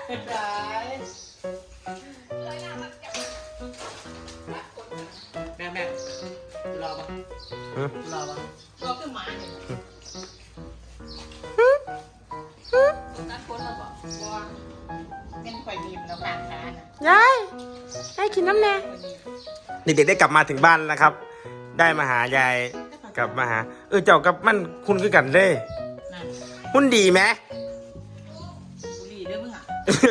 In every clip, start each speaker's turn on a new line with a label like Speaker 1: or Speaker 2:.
Speaker 1: แม่รอปะรอขึ้นมาเนี่ยนั่นคนเราบอกว่าเป็นข่อยบีมแล้วผ่านค้านะ
Speaker 2: ยายให้กินน้ำแน่เด็กๆได้กลับมาถึงบ้านแล้วครับได้มาหายายกลับมาหาเจ้ากับมันคุณคือกันเลยหุ้นดีไหม
Speaker 1: บุหรี่ด้วยมึงอ่ะ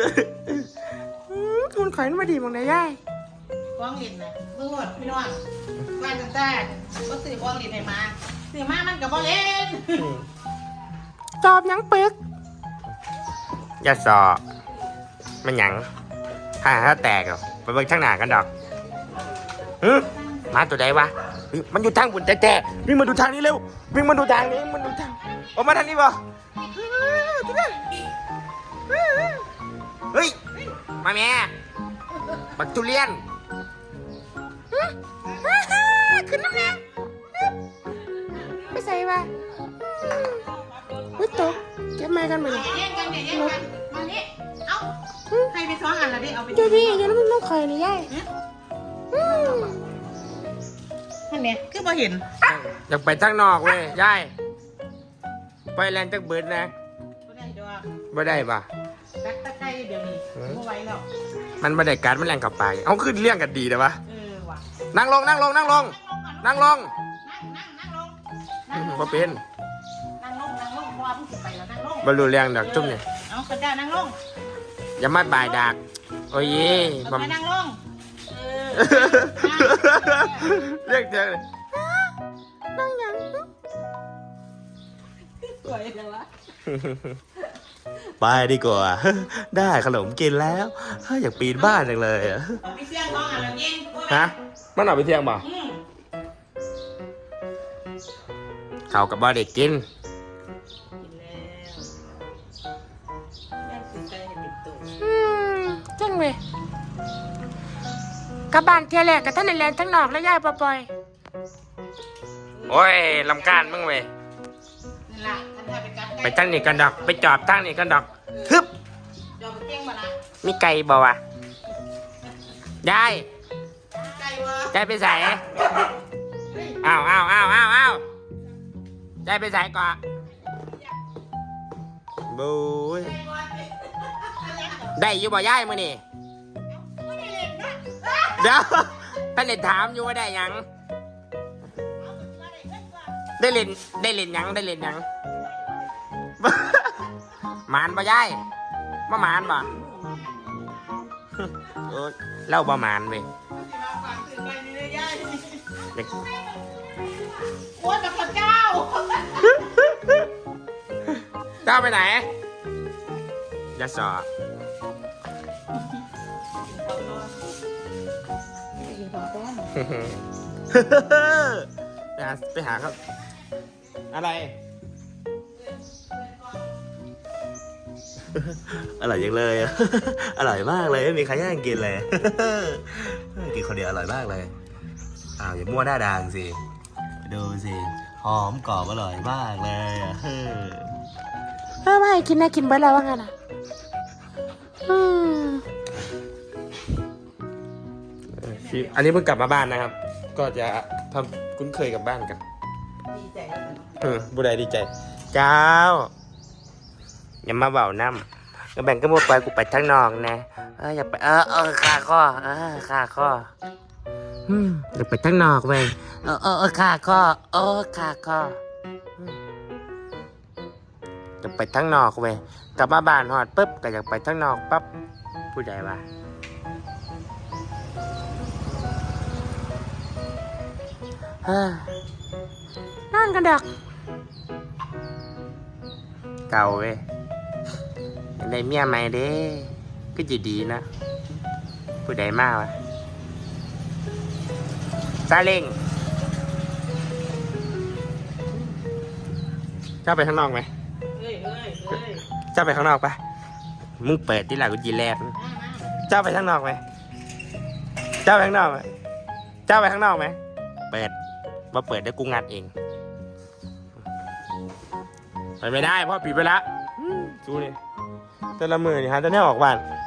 Speaker 2: คุณขอยมาดีมั้งนะยาย
Speaker 1: กล้องลินนะมึงหมดพี่น้องบ้านตั้งแต่ก็ซื้อกล้องลินให้มาซื้อมามันกับบ่เล่น
Speaker 2: จอบยังปึกยาสอมันหยังถ้าแตกไปเบิ่งทางหน้ากันดอกมาตัวใดวะมันอยู่ทางบุญแต่วิ่งมาดูทางนี้เร็ววิ่งมาดูทางนี้มันดูทางออกมาทางนี้บ่เฮ้ยมาแม่บักทุเรียนขึ้นน้ำแน่ไม่ใส่วะอุ้ยตกเก็บไม้กันมาเลย
Speaker 1: มานี่เอาให้ไป2 อันละดิเอาไป
Speaker 2: เดี๋ยวพี่อย่าแล้วมันต้องไข่นี่ย่าย
Speaker 1: นั่นเนี่ยคือพอเห็น
Speaker 2: อยากไปทางนอกเว้ยย่ายไปแลนด์จักเบิดนะไม่ได้ป่ะ
Speaker 1: ตักตะไคร้เดี๋ยวนี้ไม่ไหวแล้ว
Speaker 2: มันไม่ได้การมันแรงกับไปเอาขึ้นเลี้ยงกันดีแต่ว่านั่งลงพอเป็น
Speaker 1: นั่งลงพอเพิ่งไปแล้วนั่งลง
Speaker 2: บรรลุเลี้ยงดอกจุ่มเนี่ย
Speaker 1: เอากระจานั่งลง
Speaker 2: อย่ามาบ่ายดักโอ้ย
Speaker 1: นั่งลง
Speaker 2: เรียกเจอเลยนั่งยัง
Speaker 1: สวยเลยวะ
Speaker 2: ไปดีกว่าได้ขนมกินแล้วอยากปีนบ้านจังเลย
Speaker 1: ไปเสี่ยงท้องอะไรยิง
Speaker 2: ฮะมันเอาไปเที่ยงบ่เขากับบ้าเด็กกินจังเลยกับบ้านเที่ยแรกกับท่านในแลนทั้งนอกและย่ายปล่อยโอ้ยลำการมึงเว้ยไปทั้งนี่กันดอกไปจอบทั้งนี่กันดอกฮึบมีไก่บ่วะยายยายไปใส่อ้าวยายไปใส่ก่อนบูยได้อยู่บ่ยายมื้อนี่เดี๋ยวท่านเล่นถามอยู่ว่าได้ยังได้เล่นยังหมานบ่ยายมาหมานบ่เล่าบ่หมานเว้ย
Speaker 1: โอ้ยแต่พระเจ้า
Speaker 2: เจ้าไปไหนยาสอไปหาครับอะไรอร่อยจังเลยอร่อยมากเลยไม่มีใครแย่งกินเลยกินคนเดียวอร่อยมากเลยอย่ามั่วหน้าด่างสิดูสิหอมกรอบอร่อยมากเลยไม่กินนะกินไปแล้วว่าไงนะอันนี้เพิ่งกลับมาบ้านนะครับก็จะทำคุ้นเคยกับบ้านกัน
Speaker 1: ดีใจ
Speaker 2: บุได้ดีใจเจ้าอย่ามาเบาน้ำก็แบ่งก็มัวไปกูไปทั้งนอกนะอย่าไปขาข้อขาข้ออย่าไปทั้งนอกเว้ยขาข้อขาข้ออย่าไปทั้งนอกเว้ยกลับมาบ้านหอดปุ๊บก็อยากไปทั้งนอกปั๊บผู้ใดวะนั่งกันดักเก่าเว้ยได้เมียใหม่เด้ก็จะดีนะผู้ใดมากวะซาเล้งเจ้าไปข้างนอกไหมเจ้าไปข้างนอกปะมึงเปิดที่หลังกูจีแลบเจ้าไปข้างนอกไหมเจ้าไปข้างนอกไหมเจ้าไปข้างนอกไหมเปิดมาเปิดได้กูงัดเองไปไม่ได้เพราะปิดไปแล้วดูนี่แต่ละมือนี่ฮะแต่แน่ออกบ้าน